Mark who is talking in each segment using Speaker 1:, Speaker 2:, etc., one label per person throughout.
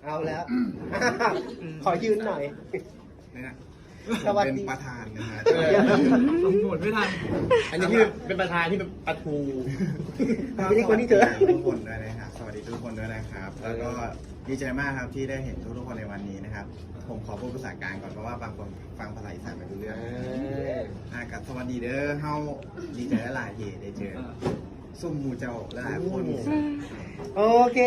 Speaker 1: เอาแล้วขอยืนหน่อย
Speaker 2: นะ
Speaker 1: สวัสดี
Speaker 2: เป็นประธานนะฮะ
Speaker 3: หมดไม่ทัน
Speaker 1: อันนี้ที่เป็นประธานที่เป็นปะทูไม่ใช่คนที่เจอ
Speaker 2: ทุกคนด้วยนะครับสวัสดีทุกคนด้วยนะครับแล้วก็ดีใจมากครับที่ได้เห็นทุกคนในวันนี้นะครับผมขอพูดภาษากลางก่อนเพราะว่าบางคนฟังภาษาอีสานไม่รู้เรื่องกับสวัสดีเด้อเฮาดีใจหลายที่ได้เจอซุ่มมูเจ้าหลายคน
Speaker 1: โอเค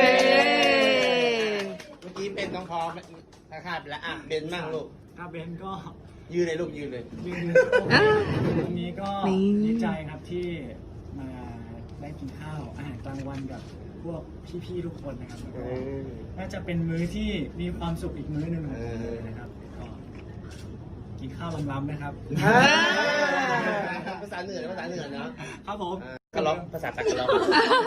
Speaker 1: เมื่อกี้เป็นน้องพร้อมขาดไปแล้วเบนมั่งลูก
Speaker 3: เบนก็
Speaker 1: ยืนเลยลูกยืนเลย
Speaker 3: วันนี้ก็ดีใจครับที่มาได้กินข้าวอาหารกลางวันกับพวกพี่ๆทุกคนนะครับน่าจะเป็นมื้อที่มีความสุขอีกมื้อหนึ่งนะครับก็กินข้าวล้ำๆนะครับ
Speaker 1: ภาษาเหนือภาษาเหนือเนาะ
Speaker 3: ครับผม
Speaker 1: กระล็อกภาษาตะกระล็อก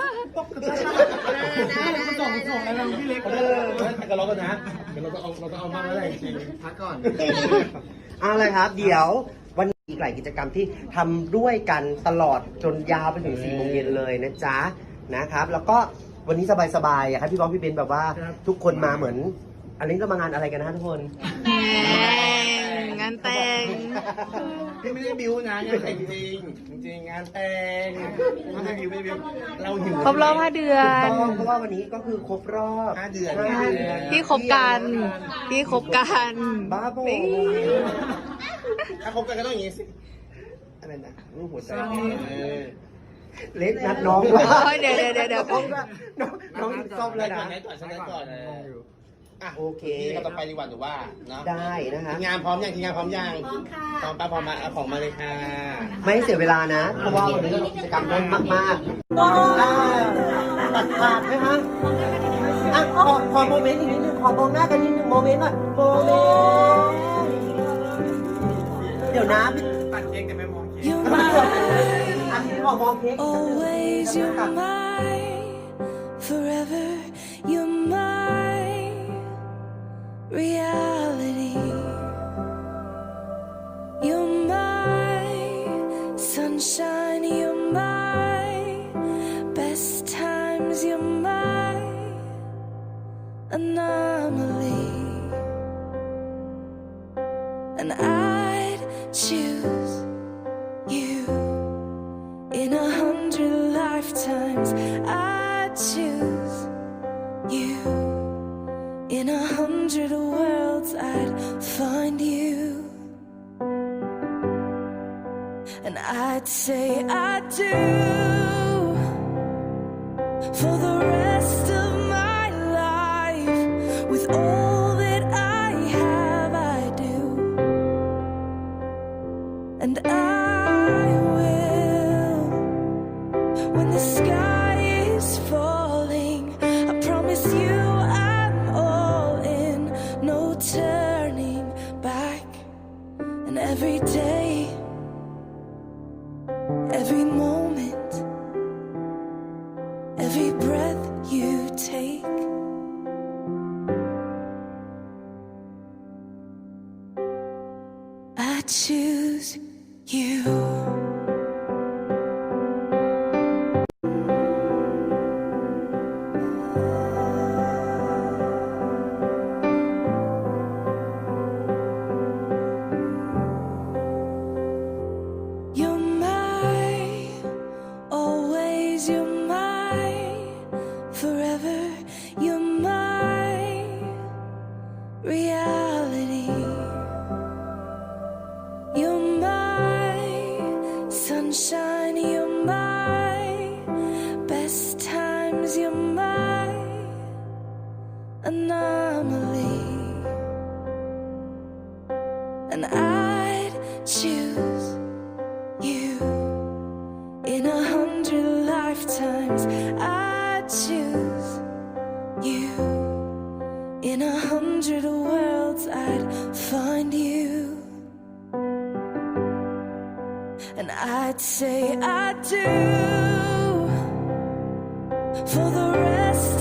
Speaker 3: ส่งอะไรพี่เล็ก
Speaker 1: กระล็อกกันนะเราต้องเอาบ้างแล้วแหละจริงพักก่อนอะไรครับเดี๋ยววันนี้อีกหลายกิจกรรมที่ทำด้วยกันตลอดจนยาวไปถึง4 โมงเย็นเลยนะจ๊ะนะครับแล้วก็วันนี้สบายๆอยากให้พี่บอลพี่เบนแบบว่าทุกคนมาเหมือนอันนี้ก็มางานอะไรกันนะทุกคน
Speaker 4: งานแต่ง
Speaker 1: พี่ไม่ได้บิวนะงานแต่งจริงงานแต่งไม่ได้บิวเราหิว
Speaker 4: ครบรอบ5 เดือน
Speaker 1: เพราะว่าวันนี้ก็คือครบรอบ5 เดือน
Speaker 4: ที่คบกัน
Speaker 1: บ้าโบถ้าคบกันก็ต้องอย่างนี้สิอะไรนะรูปหัวใจเล็กนัดน้องว่า
Speaker 4: เดี๋ยว
Speaker 1: น้องซ่อมเลยนะ
Speaker 3: ก่อน
Speaker 1: โอเคเราต่อไปดีกว่าหรือว่าเนาะได้นะคะ
Speaker 4: ที
Speaker 1: มงานพร้อมยังพร้อมยังพร้อมป้าพร้อมมาเอาของมาเลยค่ะไม่เสียเวลานะเพราะว่าวันนี้กิจกรรมเยอะมากตัดขาดไหมคะขอโมเมนต์อีกนิดนึงขอมองหน้ากันนิดนึงโมเมนต์หน่อยโมเมนต์เดี๋ยวนะ
Speaker 3: ตัดเค้กแต่ไม่มองเค้ก
Speaker 1: อันนี้ขอมองเค้ก
Speaker 5: Always you're mine forever you're mine reality you're my sunshine you're my best times you're my anomaly and I'd choose you in 100 lifetimes I'd choose you in 100 worlds I'd find you and I'd say I do for the rest of my life with all that I have I do and I will when the sky is falling I promise you no turning back and every day every moment every breath you take I choose you sunshine you're my best times you're my anomaly and I'd choose you in 100 lifetimes I'd choose you in 100 worlds I'd find you and I'd say I do for the rest